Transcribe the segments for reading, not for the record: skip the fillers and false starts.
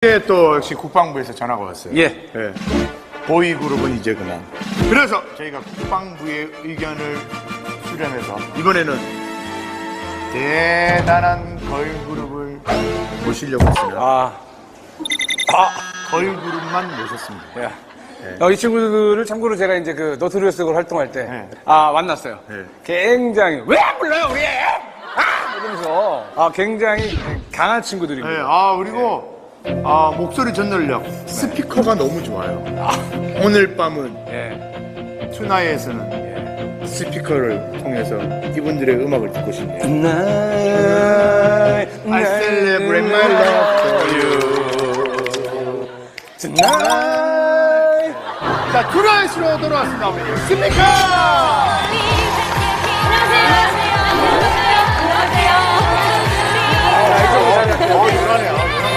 또 역시 국방부에서 전화가 왔어요. 예. 예. 보위 그룹은 이제 그만. 그래서 저희가 국방부의 의견을 수렴해서 이번에는 대단한 걸그룹을 모시려고 했어요. 걸그룹만 모셨습니다. 예. 이 친구들을 참고로 제가 이제 그 너트리어스로 활동할 때 만났어요. 네. 굉장히 왜 안 불러요 우리? 이러면서 굉장히 강한 친구들입니다. 네, 그리고 목소리 전달력, 스피커가 너무 좋아요. 오늘 밤은 투나잇에서는 스피커를 통해서 이분들의 음악을 듣고 싶네요. I celebrate my love for you tonight. 자, 투나잇으로 돌아왔습니다. 스피커! 유라네요.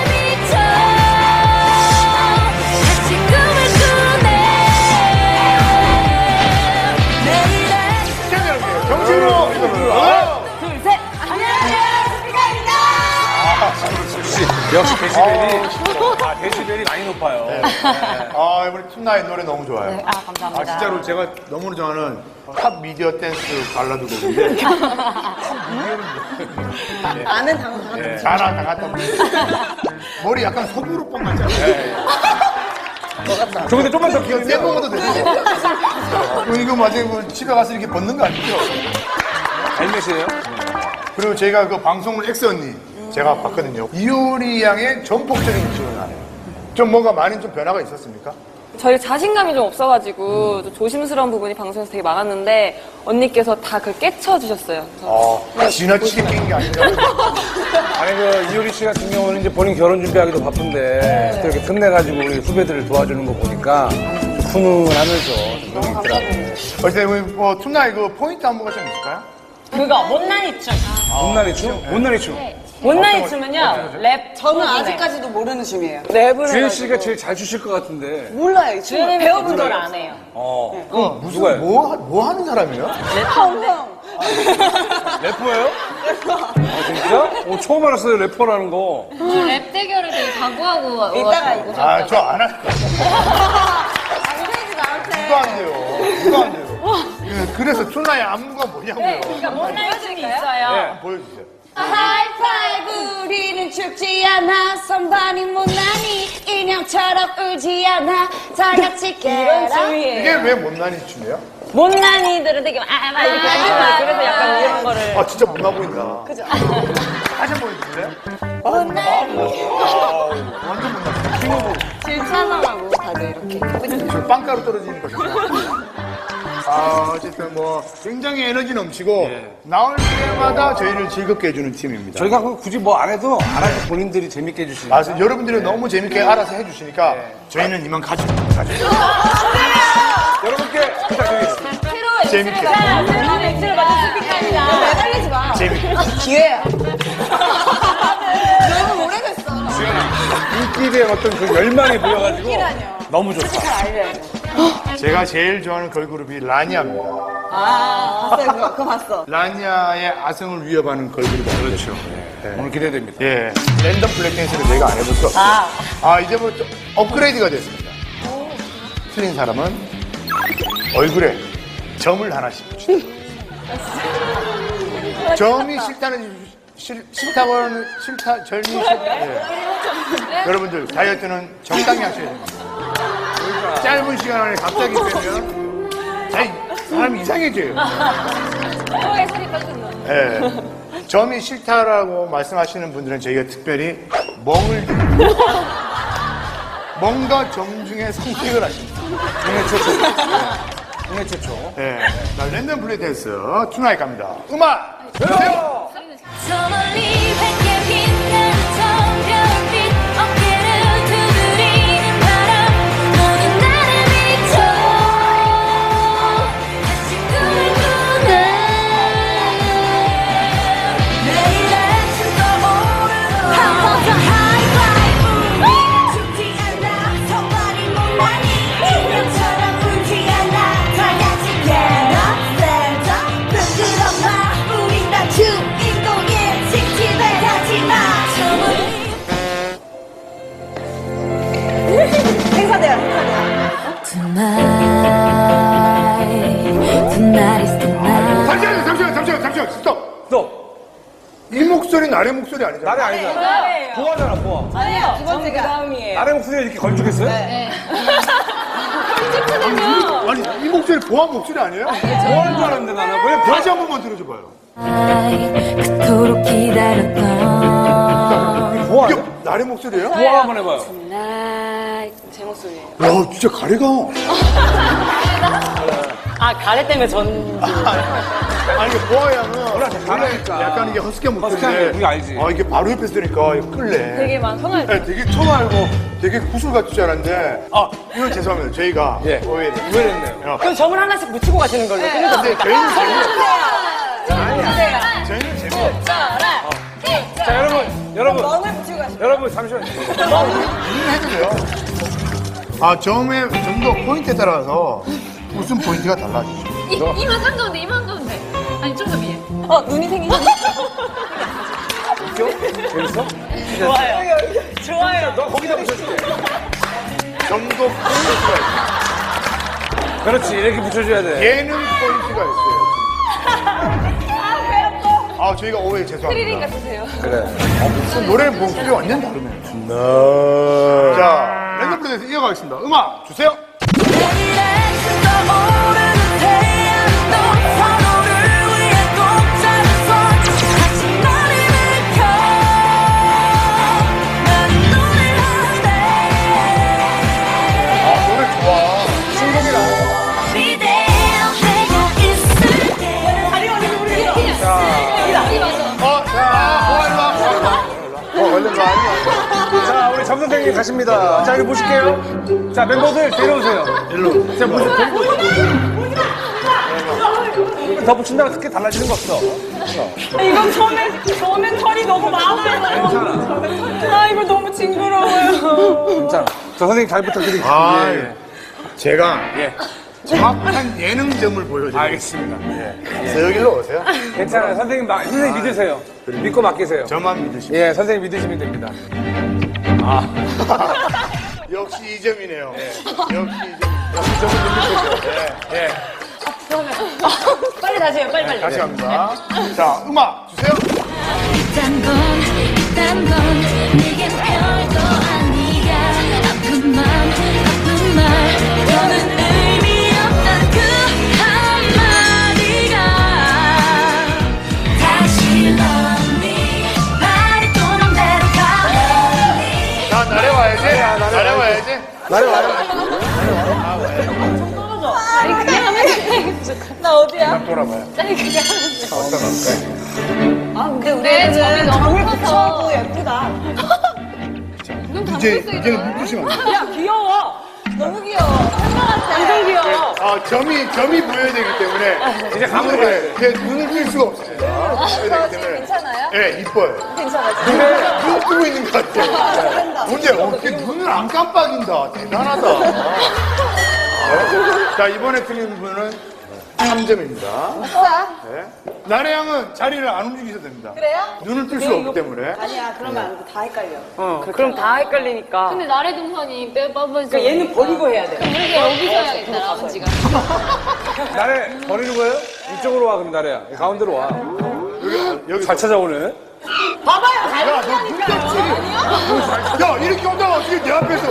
정식으로 둘, 셋. 안녕하세요, 스피커입니다. 역시 데시벨이 많이 높아요. 네. 우리 툰나잇 노래 너무 좋아요. 네, 감사합니다. 진짜로 제가 너무나 좋아하는 팝 미디어 댄스 발라드 곡인데. 아는 단어 자나 당했다. 머리 약간 소구루뽕 같잖아요. 저 근데 좀만 더 기억이 떼 먹어도 되죠? 이거 맞아요. 집에 가서 이렇게 벗는 거 아니죠? 헬멧이에요? 그리고 제가 그 방송을 엑스 언니 제가 봤거든요. 이효리 양의 전폭적인 지원을 하네요. 좀 뭔가 많이 좀 변화가 있었습니까? 저희 자신감이 좀 없어가지고 좀 조심스러운 부분이 방송에서 되게 많았는데 언니께서 다 그걸 깨쳐주셨어요. 지나치게 낀 게 아니라. 아니 이효리 씨 같은 경우는 이제 본인 결혼 준비하기도 바쁜데 또 이렇게 끝내가지고 우리 후배들을 도와주는 거 보니까 훈훈하면서 좀 너무 있더라고요. 어쨌든 뭐 툰나잇 그 포인트 안무가 좀 있을까요? 그거 못난이 춤. 못난이 춤? 못난이 춤. 못난이 춤은요, 랩. 저는 아직까지도 모르는 춤이에요. 랩을 주현 씨가 제일 잘 추실 것 같은데. 몰라요, 이 춤을. 배워본 걸 안 해요. 무슨 누가요? 뭐 하는 사람이에요? 형. 래퍼예요? 진짜? 처음 알았어요 래퍼라는 거. 랩 대결을 되게 각오하고 이따가 저 안 할 거예요. 누가 안 돼요? 누가 안 돼요? 그래서 툰나잇 안무가 뭐냐고요? 못난이 춤이 있어요. 보여주세요. 하이파이브 우리는 춥지 않아 선반이 못나니 인형처럼 울지 않아 다 같이 이런 깨라 춤이에요. 이게 왜 못난이 춤이에요? 못난이들은 되게 막 이렇게 하지만 그래서 약간 이런 거를. 진짜 못나 보인다. 그죠? 다시 한 번 보여주실래요? 완전 못나. 킹오브. 질차상하고 다들 이렇게. 저 빵가루 떨어지는 거죠. 어쨌든 뭐 굉장히 에너지 넘치고 나올 때마다 저희를 즐겁게 해주는 팀입니다. 저희가 굳이 뭐 안 해도 알아서 본인들이 재밌게 해주시니까. 맞아요. 여러분들이 너무 재밌게 알아서 해주시니까 저희는 이만 가져갑니다. 여러분께 부탁드리겠습니다. 재밌게. 새로운 엑스를 맞은 스피커입니다. 매달리지 마 재밌게. 기회야 너무 오래됐어 인기에 대한 어떤 그 열망이 보여가지고 너무 좋다. 제가 제일 좋아하는 걸그룹이 라니아입니다. 봤어요 그거 봤어 라니아의 아성을 위협하는 걸그룹입니다. 그렇죠. 오늘 기대됩니다. 예. 랜덤 블랙댄스를 저희가 안 해볼 수 없어요. 이제 뭐 좀 업그레이드가 됐습니다. 틀린 사람은 얼굴에 점을 하나씩 붙이다. 점이 여러분들 다이어트는 적당히 하셔야 됩니다. 짧은 시간 안에 갑자기 빼면 사람이 이상해져요. 살이 빠졌나? 예. 점이 싫다라고 말씀하시는 분들은 저희가 특별히 멍을 뭔가 점 중에 선택을 하십니다. 국내 최초. 예. 자, 랜덤 플레이 댄스 투나잇 갑니다. 음악 주세요. 저 멀리 밝게 빛나는 성별빛 어깨를 두드리는 바람 모든 나를 비춰 다시 꿈을 꾸네 내일 아침 떠오르는 한 번 더 하이파이브 춥지 않아 성발이 못나니 인형처럼 울지 않아 다 같이 get up stand up 흔들어 봐 우린 다 주인공인 칙칙을 같이 나래 목소리 아니잖아. 나래 아니잖아. 보아잖아, 보아. 아니에요. 두 번째가 다음이에요. 나래 목소리가 이렇게 걸쭉했어요? 아니, 이 목소리 보아 목소리 아니에요? 보아인 줄 알았는데 나는. 왜 다시 한 번만 들어줘봐요. 그토록 기다렸던 보아? 이게 나래 목소리예요? 보아 한번 해봐요. 제 목소리예요. 야, 진짜 가래가. 아, 가래 때문에 전. 아니, 이게 보아 양은 원래 가라니까. 약간 이게 허스키한 허스키한 게 목소리인데. 우리 알지. 아, 이게 바로 옆에서 들으니까 이거 끌래. 되게 막 편할 네, 되게 처음 알고 되게 구슬 같을 줄 알았는데. 아, 이건 죄송합니다. 저희가. 예. 오해를. 의외했네요. 그럼 점을 하나씩 붙이고 가시는 걸로. 근데 저희는 저희는 재미없어요. 자, 여러분, 잠시만요. 해도 돼요. 아, 점의 점도 포인트에 따라서 웃음 포인트가 달라지죠. 이만 한가운데 이만 가운데 아니 좀 더 위에 눈이 생기셨네. 재밌어? 좋아요. 너 거기다 붙여줄게. 점도 포인트가 그렇지, 이렇게 붙여줘야 돼. 있어요. 예능 포인트가 있어요. 아, 저희가 오해 죄송합니다. 트리링 같으세요. 그래. 노래 목소리 완전 다르네요. 자, 랜덤 플레이에서 이어가겠습니다. 음악 주세요. 아, 노래 좋아. 얼른 와. 자, 우리 점 선생님 가십니다. 자, 여기 보실게요. 자, 멤버들 데려오세요. 일로. 자, 보세요. 더 붙인다고 크게 달라지는 거 없어. 이건 처음엔 털이 너무 많아요. 아, 이거 너무 징그러워요. 괜찮아. 저 선생님 잘 부탁드릴게요. 아, 예. 제가 예. 정확한 예능점을 보여드릴게요. 알겠습니다. 그래서 여기로 오세요. 괜찮아요. 선생님 믿으세요. 믿고 맡기세요. 저만 믿으시면. 예, 선생님 믿으시면 됩니다. 역시 이 점이네요. 역시 이 점. 역시 점을 믿으시죠. 예. 빨리 다시 해요, 빨리. 다시 갑니다. 자, 음악 주세요. 이딴 건 내겐 별거 아니야 아픈 말 너는 의미 없던 그 한마디가 다시 love me 말이 또 맘대로 가니 자, 나래 와야지. 나래 와야지. 나래 와요. 나 어디야? 딱 돌아봐요. 아니, 그냥. 어디다 갈까요? 아, 근데 우리 애들은 점을 붙여도 예쁘다. 이제는 묶으시면 안 돼요. 야, 귀여워. 너무 귀여워. 완전 귀여워. 아, 점이 보여야 되기 때문에. 이제 감으로 가야 돼. 제 눈을 뜰 수가 없습니다. 보여야 되기 때문에. 괜찮아요? 예, 이뻐요. 괜찮아요. 근데 눈 뜨고 있는 것 같아요. 근데 어떻게 눈을 안 깜빡인다. 대단하다. 자, 이번에 틀린 분은 3점입니다. 네. 나래 양은 자리를 안 움직이셔도 됩니다. 그래요? 눈을 뜰 수가 없기 때문에. 아니야, 그러면 안 돼. 다 헷갈려. 그럼 다 헷갈리니까. 근데 나래 동선이 빼빠버리서 그러니까 얘는 버리고 해야 돼. 그러게 여기서 해야겠다 아버지가 나래 버리는 거예요? 이쪽으로 와, 그럼 나래야. 가운데로 와. 여기 잘 찾아오네. 봐봐요, 야, 너 눈떴지? 야, 이렇게 오다가 어떻게 내 앞에서.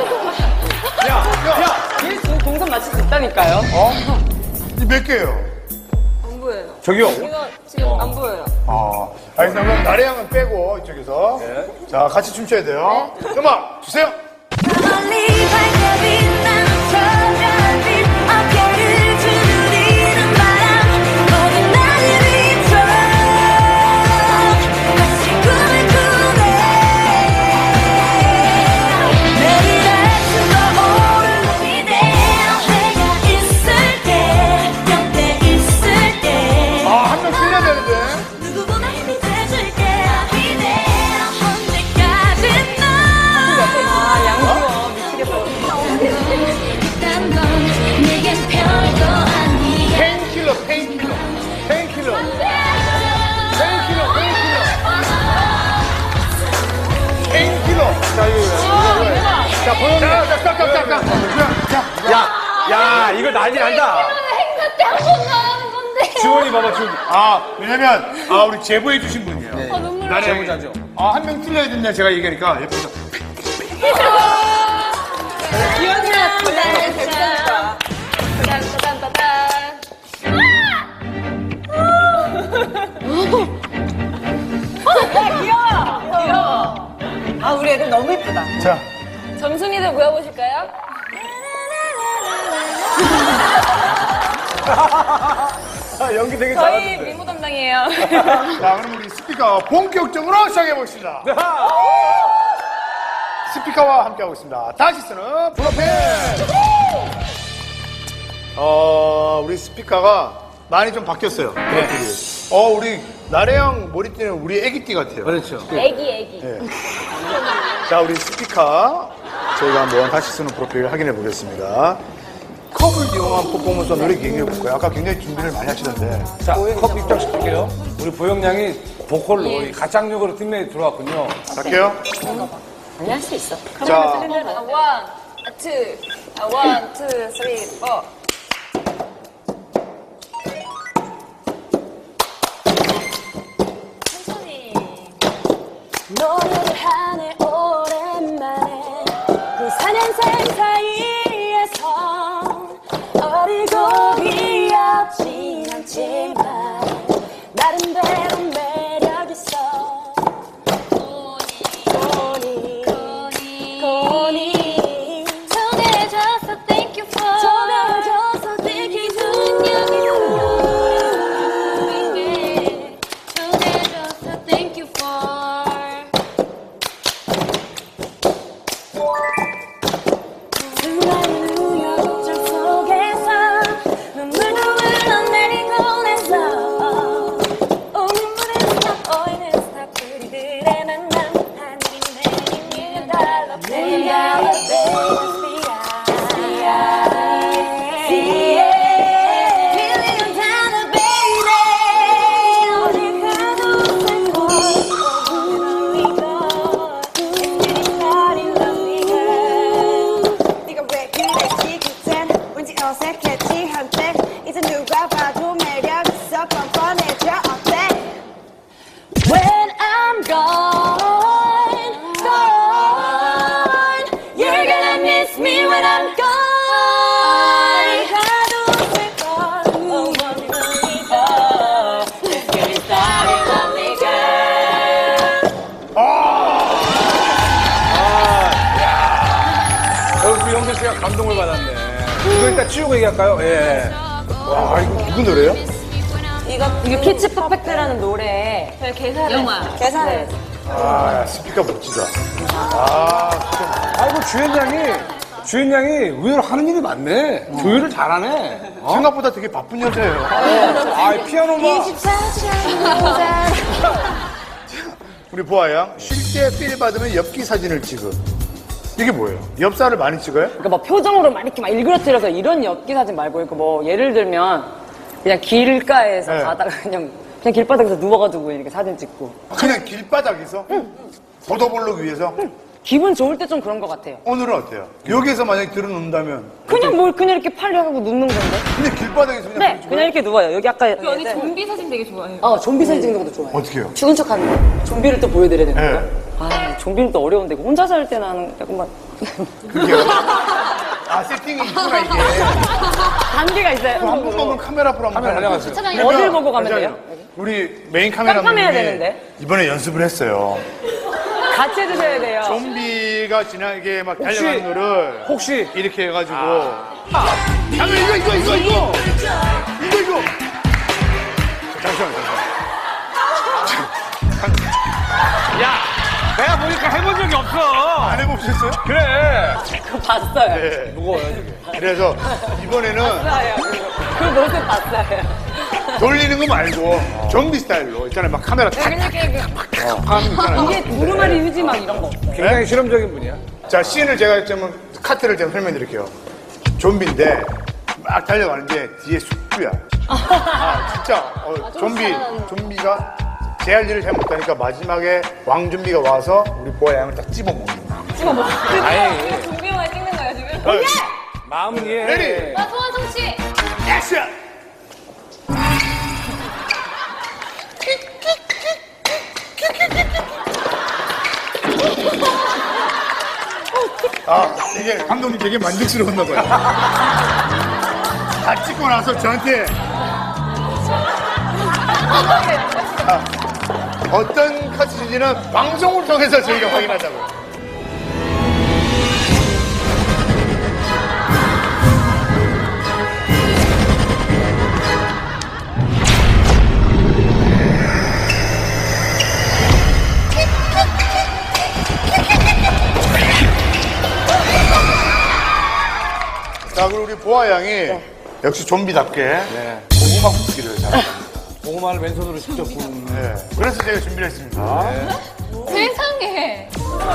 얘 지금 동선 맞출 수 있다니까요. 이 몇 개예요? 안 보여요. 저기요. 이거 지금 안 보여요. 알겠습니다. 그럼 나래 양은 빼고 이쪽에서. 네. 자, 같이 춤춰야 돼요. 음악 주세요. 멀리 발톱이 나는 저별빛 어깨를 두드리는 바람 모든 나를 비춰 다시 꿈을 꾸네 매일 아침 떠오르는 이대로 내가 있을 때 곁에 있을 때 아, 한 명 틀려야 되는데. 누구보다 힘이 돼줄게 이대로 언제까지 양귀여워. 미치겠어. 이딴 건 내겐 별거 아니야 페인킬러. 자, 이거. 자, 보여줘. 자. 야, 이거 난리 난다. 행사 때 한 번 나가는 건데 지원이 봐봐, 지원이. 왜냐면, 우리 제보해 주신 분이에요. 나래 제보자죠. 한 명 틀려야 된다 제가 얘기하니까 옆에서 아, 우리 애들 너무 예쁘다. 자 점순이들 모여보실까요? 연기 되게 저희 잘하는데. 미모 담당이에요. 자, 그럼 우리 스피커 본격적으로 시작해보겠습니다. 스피커와 함께하고 있습니다. 다시 쓰는 프로필! 우리 스피커가 많이 좀 바뀌었어요. 프로필이. 우리 나래형 머리띠는 우리 애기띠 같아요. 그렇죠. 애기. 자, 우리 스피커. 저희가 한번 다시 쓰는 프로필 확인해 보겠습니다. 컵을 이용한 퍼포먼스 노래 얘기해볼까요? 아까 굉장히 준비를 많이 하시던데. 자, 컵 입장시킬게요. 우리 보영 양이 보컬로 이 가창력으로 팀에 들어왔군요. 갈게요. 아니, 할 수 있어. 자, 원, 투, 원, 투, 쓰리, 포. 노래를 하네 오랜만에 그 4년생 사이에서 어리고 귀엽진 않지만 나름대로 매력있어 고니 전해줘서 thank you for 전해줘서 thank you 전해줘서 thank you for 수많은 우여곡절 속에서 눈물도 흘러내리고 나서 눈물은 stop, 오해는 stop 우리들의 만남 하늘이 내린 million dollar million dollar baby 어딜 가도 살고 이거 It's getting naughty lovely girl 네가 왜 그랬지 그땐 왠지 어색했지 한때 이제 누가 봐도 매력 있어 뻔뻔해져 어때? When I'm gone, gone, you're gonna miss me when I'm gone. 가도 될걸, oh, lovely girl. Let's get it started, lovely girl. 우리 영재 씨가 감동을 받았네. 이거 일단 치우고 얘기할까요? 예. 와, 이거 누구 노래예요? 이게 피치 퍼펙트라는 노래. 저희 계산을. 영화. 계산을. 야, 스피커 멋지다. 아이고, 주연 양이 의외로 하는 일이 많네. 조율을 잘하네. 생각보다 되게 바쁜 여자예요. 피아노만. 24시간 우리 보아 양, 쉴 때 필 받으면 엽기 사진을 찍어. 이게 뭐예요? 엽사를 많이 찍어요? 그러니까 막 표정으로 막 이렇게 막 일그러뜨려서 이런 엽기 사진 말고, 그러니까 뭐 예를 들면 그냥 길가에서 네. 가다가 그냥 길바닥에서 누워가지고 이렇게 사진 찍고. 그냥 길바닥에서? 보도 보려기 위해서? 기분 좋을 때 좀 그런 것 같아요. 오늘은 어때요? 여기에서 만약에 들어놓는다면 그냥 이렇게 팔려 하고 눕는 건데? 그냥 길바닥에서 그냥 네, 그냥 이렇게 누워요. 여기 아까. 언니 네. 좀비 사진 되게 좋아해요. 좀비 사진 찍는 것도 좋아해요. 어떻게 해요? 죽은 척 하는 거. 좀비를 또 보여드려야 되는 네. 거. 좀비는 또 어려운데, 혼자 살 때는 하는, 약간 그게요? 세팅이 있구나, 이게. 단계가 있어요. 한번 보면 카메라 앞으로 한번 카메라 가려고. 달려갔어요. 어딜 보고 가면 잠시만요. 돼요? 우리 메인 카메라맨이 깜깜해야 되는데. 이번에 연습을 했어요. 같이 해주셔야 돼요. 좀비가 지나게 막 달려가는 거를 혹시 이렇게 해가지고 이거 잠시만요. 내가 보니까 해본 적이 없어. 안 해보셨어요? 그래. 그거 봤어요. 네. 무거워요, 이게. 그래서 이번에는 그 모습 봤어요. 돌리는 거 말고 좀비 스타일로 있잖아요. 막 카메라 탁 하는 거 있잖아요. 이게 두루마리 휴지 막 이런 거 없어요. 굉장히 실험적인 분이야. 자, 씬을 제가 좀 카트를 좀 설명드릴게요. 좀비인데 막 달려가는데 뒤에 숙주야. 진짜 좀비가 제 할 일을 잘 못하니까 마지막에 왕좀비가 와서 우리 보아 양을 딱 찝어먹는 거야. 아예 좀비 영화 찍는 거예요, 지금? 마음은 이해. 레디 소환성 씨. 액션! 이게 감독님 되게 만족스러웠나 봐요. 다 찍고 나서 저한테 어떤 카트인지는 방송을 통해서 저희가 확인하자고요. 자, 그리고 우리 보아 양이 역시 좀비답게 고구마 굽기를 잘합니다. 고구마를 맨손으로 직접 구운. 네. 그래서 제가 준비를 했습니다. 세상에.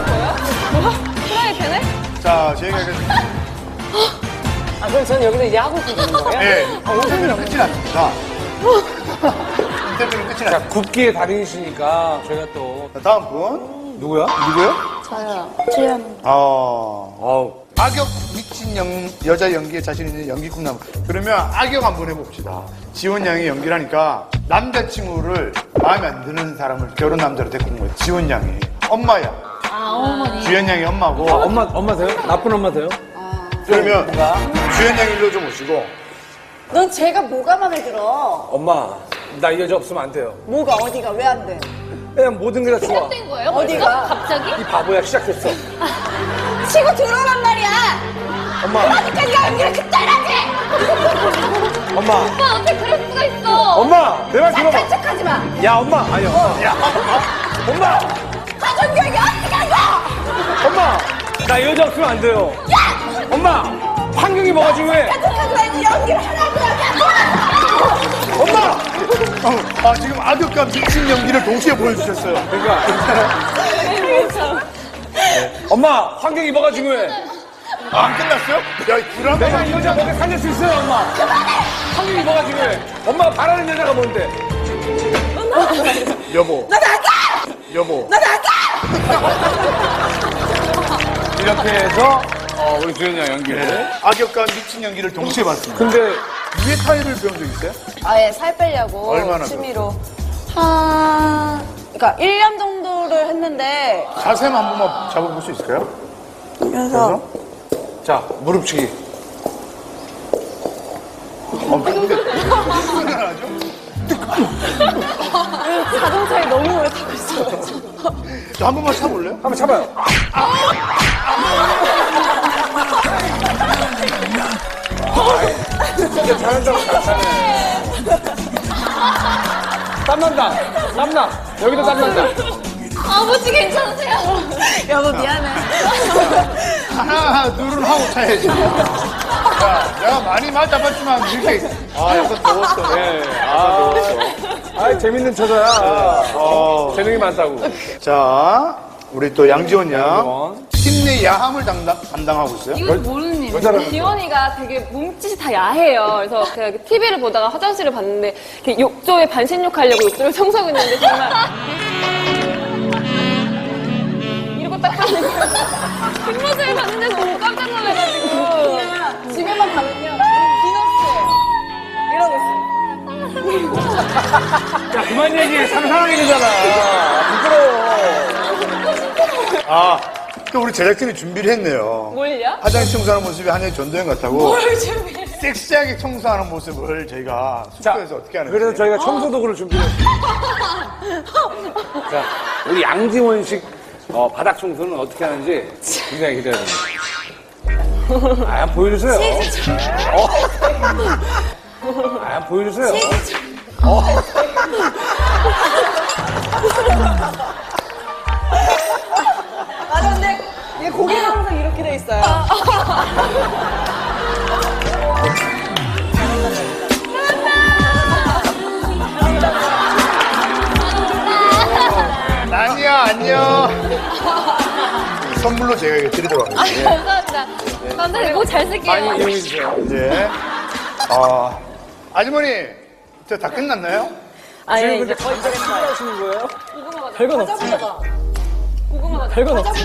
프라이팬에? 자, 저희가 이제 아, 그럼 저는 여기서 이제 하고 있는 거예요? 네, 인터뷰는 끝이 났습니다. 인터뷰는 끝이 자, 났습니다. 굽기의 달인이시니까 저희가 또. 자, 다음 분. 누구야? 누구요? 저요. 지연. 어우. 악역 미친 여자 연기에 자신 있는 연기 꿈나무. 그러면 악역 한번 해봅시다. 지원 양이 연기를 하니까 남자친구를 마음에 안 드는 사람을 결혼 남자로 데리고 온 거예요. 지원 양이. 엄마야. 아, 어머니. 주연 양이 엄마고. 엄마세요? 나쁜 엄마세요? 그러면 주연 양 일로 좀 오시고. 넌 제가 뭐가 마음에 들어? 엄마, 나 이 여자 없으면 안 돼요. 뭐가 어디가 왜 안 돼? 그냥 모든 게 다 좋아. 시작된 거예요? 어디가? 벌써? 갑자기? 이 바보야, 시작했어. 치고 들어오란 말이야. 엄마, 아직까지 연기를 그따라지. 엄마, 오빠 어떻게 그럴 수가 있어? 엄마, 내 말 들어봐. 척하지 마. 야, 엄마, 아니, 엄마. 야, 엄마, 가정교육이 어떻게 한 거야? 엄마, 나 이 여자 없으면 안 돼요. 엄마, 환경이 뭐가 중요해? 척하지 말고 연기를 하라고요. 엄마! 지금 악역과 미친 연기를 동시에 보여주셨어요. 그러니까. 엄마, 환경이 뭐가 중요해? 안 끝났어요? 야, 드라마. 내가 이 여자 먹여 살릴 수 있어요, 엄마. 환경이 뭐가 중요해? 엄마가 바라는 여자가 뭔데? 여보. 나 나가. 여보. 나 나가. 이렇게 해서, 우리 주연이 형 연기를. 악역과 미친 연기를 동시에 봤습니다. 근데, 위에 타일을 배운 적 있어요? 아예 살 빼려고 얼마나 취미로 그러니까 1년 정도를 했는데 자세만 한 번만 잡아볼 수 있을까요? 그래서 자, 무릎치기. 근데 무슨 하죠? 자동차에 너무 오래 타고 있어가지고 저 한 번만 차볼래요? 한번 참아요. 진짜 잘한다고 잘하네. 땀난다. 땀나. 여기도 땀난다. 아버지 괜찮으세요? 여보 미안해 하나, 둘은 하고 차야지. 야, 내가 많이 맞아봤지만 이렇게. 약간 더웠어. 네. 더웠어. 재밌는 처자야. 재능이 많다고. 자, 우리 또 양지원 양. 양지원. 팀 내 야함을 담당하고 있어요? 이거 모르는 일. 지원이가 되게 몸짓이 다 야해요. 그래서 제가 TV를 보다가 화장실을 봤는데 이렇게 욕조에 반신욕하려고 욕조를 청소하고 있는데 정말 이러고 딱 봤는데 뒷모습을 봤는데 너무 깜짝 놀라가지고 그냥 집에만 가면요 비너스예요 이러고 있어요 야, 그만 얘기해. 상상하게 되잖아. 부끄러워. 또 우리 제작진이 준비를 했네요. 뭘요? 화장실 청소하는 모습이 한여의 전도연 같다고. 섹시하게 청소하는 모습을 저희가 숙소에서 어떻게 하는 그래서 거지? 저희가 청소 도구를 준비했어요. 자, 우리 양지원식 바닥 청소는 어떻게 하는지 굉장히 기대됩니다. 한번 보여주세요. 한번 보여주세요. 맞아 근데 얘 고개가 항상 이렇게 돼 있어요 아니야, 안녕. 선물로 제가 이거 드리도록 하겠습니다. 감사합니다. 감사합니다. 꼭 잘 쓸게요. 많이 이용해주세요. 이제, 아주머니, 저 다 끝났나요? 아니, 이제 거의 하시는 거예요? 별건 없지. 별건 없지.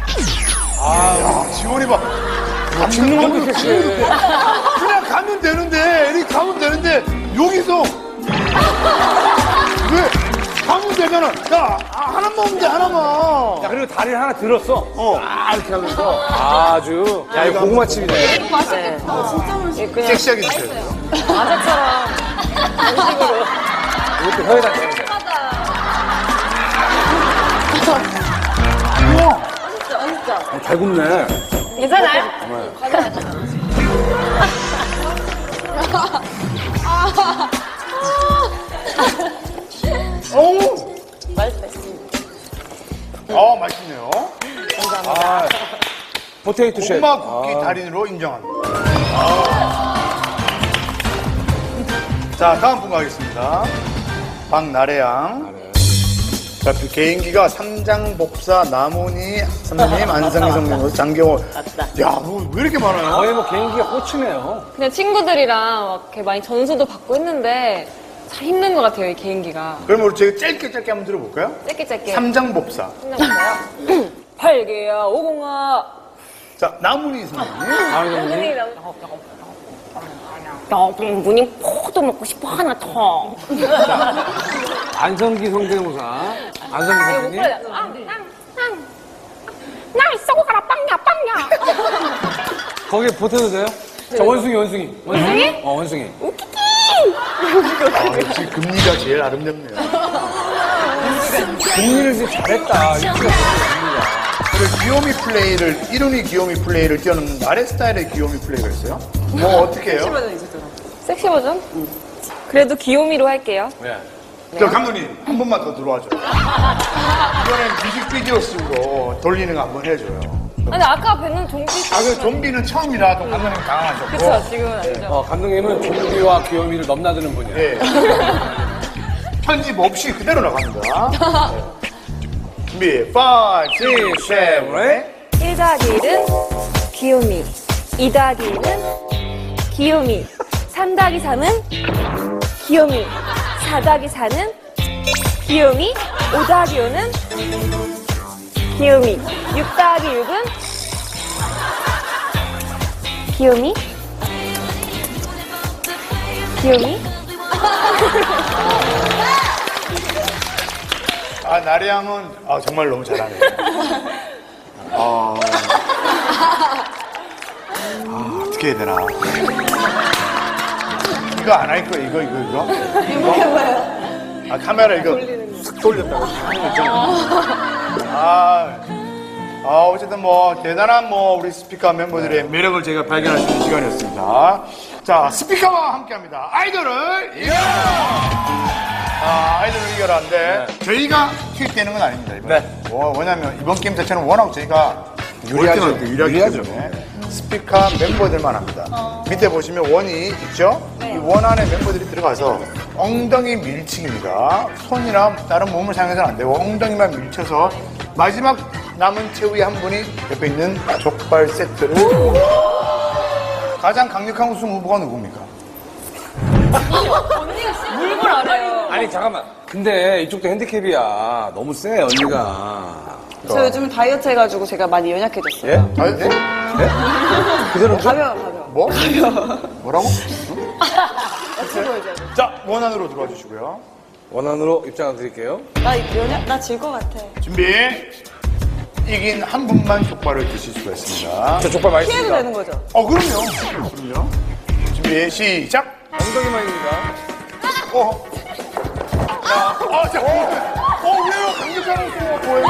지원이 봐. 죽는 것도 섹시해. 그냥 가면 되는데, 이렇게 가면 되는데, 여기서. 왜? 하면 되잖아. 야, 하나만 오면 돼, 하나만. 야, 그리고 다리를 하나 들었어. 이렇게 하면서. 아주. 야, 이거 고구마칩이네. 예, 그냥 섹시하게 드셔야 돼요. 과자처럼 이것도 혀에다 대는 거야. 잘 굽네. 괜찮아요? 어우, 맛있어요. 맛있네요. 아, 포테이토 쉐. 고구마 굽기 달인으로 인정합니다. 자, 다음 분 가겠습니다. 박나래양. 자, 그 개인기가 삼장법사, 남훈이 선배님, 안상희 선배님, 장경호. 맞다. 야, 뭐, 왜 이렇게 많아요? 거의 뭐 개인기가 꽂히네요. 그냥 친구들이랑 막 이렇게 많이 전수도 받고 했는데 참 힘든 것 같아요, 이 개인기가. 그럼 우리 제가 짧게 한번 들어볼까요? 짧게. 삼장법사. 생각나요? 8개야, 5공아. 자, 남훈이 선배님. 문이 포도 먹고 싶어 하나 더. 안성기 성대모사. 안성기 선생님. 날 쏘고 가라 빵야. 거기에 보태도 돼요? 자, 원숭이. 원숭이? 원숭이. 역시 금리가 제일 아름답네요. 금리를 진짜 잘했다. 그리고 귀요미 플레이를, 이름이 귀요미 플레이를 뛰어넘는 나래 스타일의 귀요미 플레이가 있어요? 뭐, 어떻게 해요? 섹시 버전? 그래도 귀요미로 할게요. 네. 저 감독님, 한 번만 더 들어와줘요. 이번엔 뮤직비디오 식으로 돌리는 거 한번 해줘요. 아니, 아까 뵈는 좀비. 그 좀비는 처음이라 또 감독님 당황하셨고. 그쵸, 지금은 아니죠. 감독님은 좀비와 귀요미를 넘나드는 분이에요. 예. 편집 없이 그대로 나갑니다. 네. 준비, 5, 6, 7, 8. 1 더하기 1은 귀요미. 2 더하기 1은 귀요미. 3 더하기 3은 귀요미. 4 더하기 4는 귀요미. 5 더하기 5는 귀요미. 6 더하기 6은 귀요미. 귀요미. 아, 나래양은 정말 너무 잘하네요. 어떻게 해야 되나. 이거 안 할 거야, 이거? 이게 뭐예요? 카메라 이거 쓱 돌렸다고. 어쨌든 뭐, 대단한 우리 스피커 멤버들의 매력을 제가 발견할 수 있는 시간이었습니다. 자, 스피커와 함께 합니다. 아이돌을 이겨라! 아이돌을 이겨라인데, 저희가 투입되는 건 아닙니다, 이번에. 네. 왜냐면, 이번 게임 자체는 워낙 저희가 유리하죠. 유리하기 때문에 스피커 멤버들만 합니다. 밑에 보시면 원이 있죠? 이 원 안에 멤버들이 들어가서 엉덩이 밀치기입니다. 손이나 다른 몸을 사용해서는 안 되고 엉덩이만 밀쳐서 마지막 남은 최후의 한 분이 옆에 있는 족발 세트를 가장 강력한 우승 후보가 누굽니까? 물불 알아요. 아니, 잠깐만. 근데 이쪽도 핸디캡이야. 너무 세, 언니가. 저 요즘 다이어트 해가지고 제가 많이 연약해졌어요. 예? 네? 그대로 가벼워. 뭐? 뭐라고? 자, 원 안으로 들어와 주시고요. 원안으로 입장 드릴게요. 나 질 것 같아. 준비. 이긴 한 분만 족발을 드실 수가 있습니다. 저 족발 피해도 맛있습니다. 되는 거죠? 그럼요. 준비, 시작. 엉덩이만입니다. 자, 왜요? 강력한 우승 뭐예요?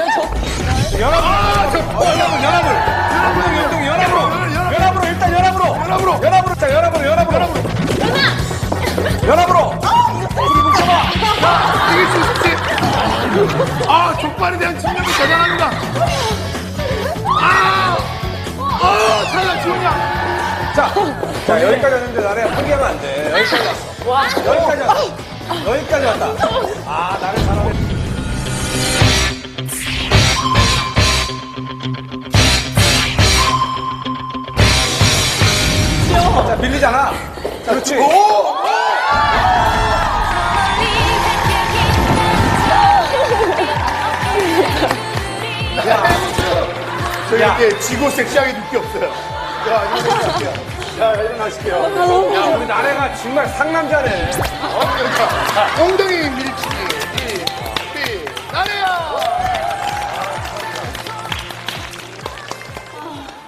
연합으로 일단 연합으로. 자, 연합으로. 우리 뭉쳐봐. 이길 수 있지. 족발에 대한 집념이 대단합니다. 탈락 지훈이야. 자, 여기까지 왔는데 나를 포기하면 안 돼. 여기까지 왔다. 나를 잘하네. 자, 밀리잖아. 자, 그렇지. 저희 이렇게 지고 섹시하게 느낄 게 없어요. 자, 일어나실게요. 야, 우리 나래가 정말 상남자네. 엉덩이 밀치기.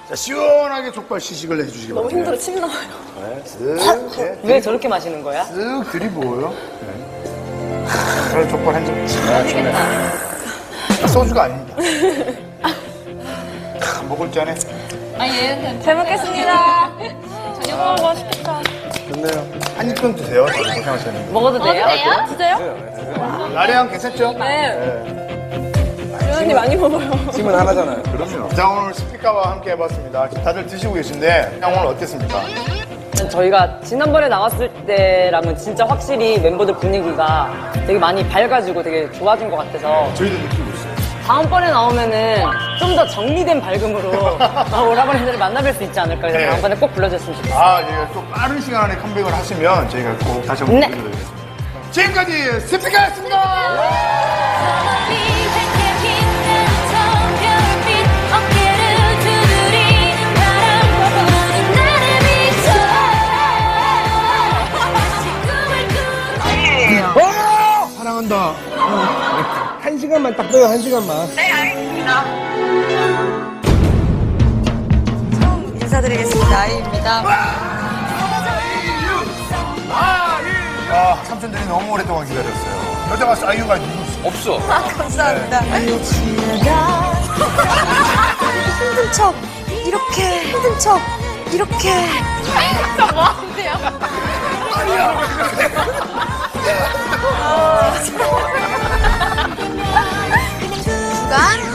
자, 시원하게 족발 시식을 해주시기 바랍니다. 힘들어, 침 나와요. 쓱, 네. 왜 저렇게 마시는 거야? 쓱 들이부어요. 네. 그런 족발 한 점. 소주가 아닙니다. 먹을 줄 아네. 잘 먹겠습니다. 좋네요. 한 입만 드세요. 고생하셨는데. 먹어도 돼요? 진짜요? 나래양 괜찮죠? 주연이 많이 먹어요. 팀은 하나잖아요. 그럼요. 자, 오늘 스피카와 함께 해봤습니다. 지금 다들 드시고 계신데, 오늘 어땠습니까? 저희가 지난번에 나왔을 때랑은 진짜 확실히 멤버들 분위기가 되게 많이 밝아지고 되게 좋아진 것 같아서 저희도 느끼고 있어요. 다음번에 나오면은 좀 더 정리된 밝음으로 오라버니들을 만나뵐 수 있지 않을까. 그래서 네. 다음번에 꼭 불러줬으면 좋겠어요. 아, 예, 또 빠른 시간 안에 컴백을 하시면 저희가 꼭 다시 한번 네. 불러드리겠습니다. 지금까지 스피카였습니다! 사랑한다. 한 시간만 딱 빼요, 한 시간만. 인사드리겠습니다. 아이입니다. 아, 삼촌들이 너무 오랫동안 기다렸어요. 여자 가수 아이유가 없어. 감사합니다. 힘든 척, 이렇게, 힘든 척, 이렇게. 주간